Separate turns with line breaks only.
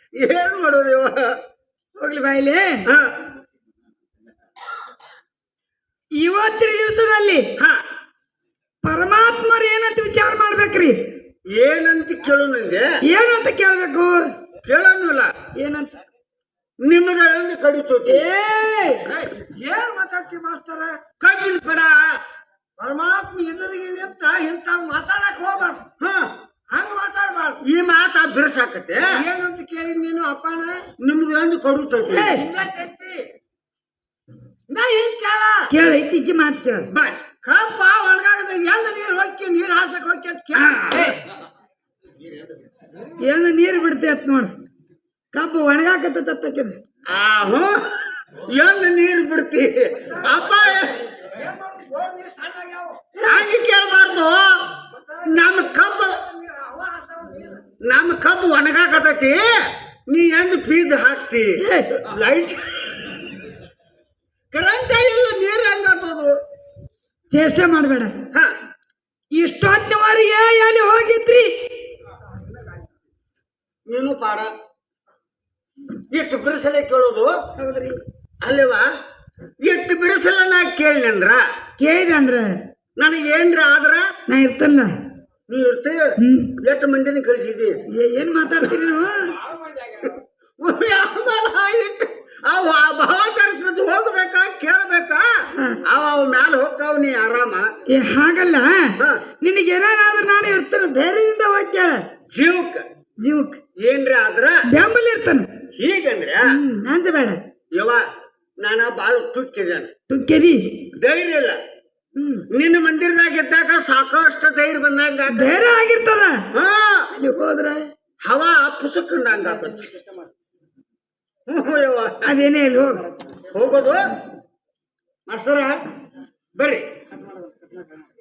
ಏನ್ ಮಾಡೋದು ಇವ
ಹೋಗ್ಲಿ ಬಾಯಿಲಿ.
ಹಾ
ಇವತ್ತಿನ ದಿವಸದಲ್ಲಿ
ಹಾ
ಪರಮಾತ್ಮರು ಏನಂತ ವಿಚಾರ ಮಾಡ್ಬೇಕ್ರಿ?
ಏನಂತ ಕೇಳು ನಂಗೆ
ಏನಂತ ಕೇಳ್ಬೇಕು?
ಕೇಳೋನಿಲ್ಲ
ಏನಂತ?
ನಿಮ್ಮದ ಕಡಿತೋತಿ.
ಏನ್ ಮಾತಾಡ್ತಿ ಮಾಸ್ತರ?
ಕಬ್ಬಿನ ಪಡ
ಪರಮಾತ್ಮ ಎಲ್ಲರಿಗೆ ನಿಂತ ಇಂತ ಮಾತಾಡಕ್ ಹೋಗ್ಬಾರ್ದು.
ಹಾ
ಹಂಗ ಮಾತಾಡ್ಬಾರ್ದು.
ಈ ಮಾತಾ ಬಿರ್ಸಾಕತ್ತೆ.
ಏನಂತ ಕೇಳಿ ನೀನು ಅಪ್ಪಣ?
ನಿಮ್ಗೆ ಒಂದು ಕಡಿತೋತಿ. ಕೇಳ
ಇತ್ತೀಚೆ ಮಾತು ಕೇಳ.
ಕಬ್ಬ ಒಣಗಾಗದ ಎಲ್ಲ ನೀರು ಹೋಗಿ ನೀರು ಹಾಸಕ್ ಹೋಗಿ ಅಂತ ಕೇಳ.
ಏನು ನೀರು ಬಿಡ್ತೆ ಅಂತ ನೋಡ. ಕಬ್ಬು ಒಣಗಾಕತ್ತಕ್ಕಿದ.
ಆಹು ಎಂದು ನೀರು ಬಿಡ್ತಿ ಅಪ್ಪ. ಹಂಗೆ ಕೇಳಬಾರ್ದು. ನಮ್ಮ ಕಬ್ಬು ಒಣಗಾಕತೈತಿ, ನೀ ಎಂದು ಫೀಸ್ ಹಾಕ್ತಿ. ಲೈಟ್ ಕರೆಂಟ್ ಇಲ್ಲ, ನೀರು ಹೆಂಗಾಗ್ತದು?
ಚೇಷ್ಟೆ ಮಾಡಬೇಡ.
ಹಾ
ಇಷ್ಟೊತ್ತಿನವರೆಗೆ ಎಲ್ಲಿ ಹೋಗಿದ್ರಿ
ನೀನು ಪಾಡ. ಎಷ್ಟು ಬಿರುಸಲೆ ಕೇಳೋದು?
ಹೌದ್ರಿ
ಅಲ್ವಾ? ಎಷ್ಟು ಬಿರುಸಲ ನಾ ಕೇಳಿನಂದ್ರ
ಕೇಳಿದೆ ಅಂದ್ರ
ನನಗೆ ಏನ್ರ ಆದ್ರ
ನಾ ಇರ್ತಲ್ಲ.
ನೀ ಇರ್ತೀಯ. ಎಷ್ಟು ಮಂದಿನ ಕಳಿಸಿದಿ?
ಏನ್ ಮಾತಾಡ್ತೀರಿ ನೀವು?
ಭಾವತರ್ಸ್ಬಿದ್ದು ಹೋಗ್ಬೇಕಾ ಕೇಳ್ಬೇಕಾ? ಅವ ಮ್ಯಾಲ ಹೋಗ್ತಾವ, ನೀ ಆರಾಮ.
ಹಾಗಲ್ಲ, ನಿನಗೆ ಏನಾದ್ರೂ ನಾನು ಇರ್ತೇನೆ, ಧೈರ್ಯದಿಂದ ಹೋಗ್ಯ. ಜೀವಕ್
ಏನ್ರ ಆದ್ರ
ಬೆಂಬಲ ಇರ್ತಾನೆ.
ಹೀಗಂದ್ರೆ
ಅಂಜಬೇಡ.
ಯವ ನಾನ ಬಾಳ ತುಕ್ಕಿದ್ದೇನೆ,
ತುಕ್ಕೇರಿ
ಧೈರ್ಯ ಇಲ್ಲ. ನಿನ್ನ ಮಂದಿರದಾಗ ಇದ್ದಾಗ ಸಾಕಷ್ಟು ಧೈರ್ಯ ಬಂದಂಗ
ಧೈರ್ಯ ಆಗಿರ್ತದ.
ಹಾ
ಅಲ್ಲಿ ಹೋದ್ರ
ಹವಾ ಪುಸಕ್ಕಂದಂಗ
ಅದೇನೇ ಇಲ್ಲಿ
ಹೋಗೋದು. ಮಾಸ್ತರ ಬರ್ರಿ.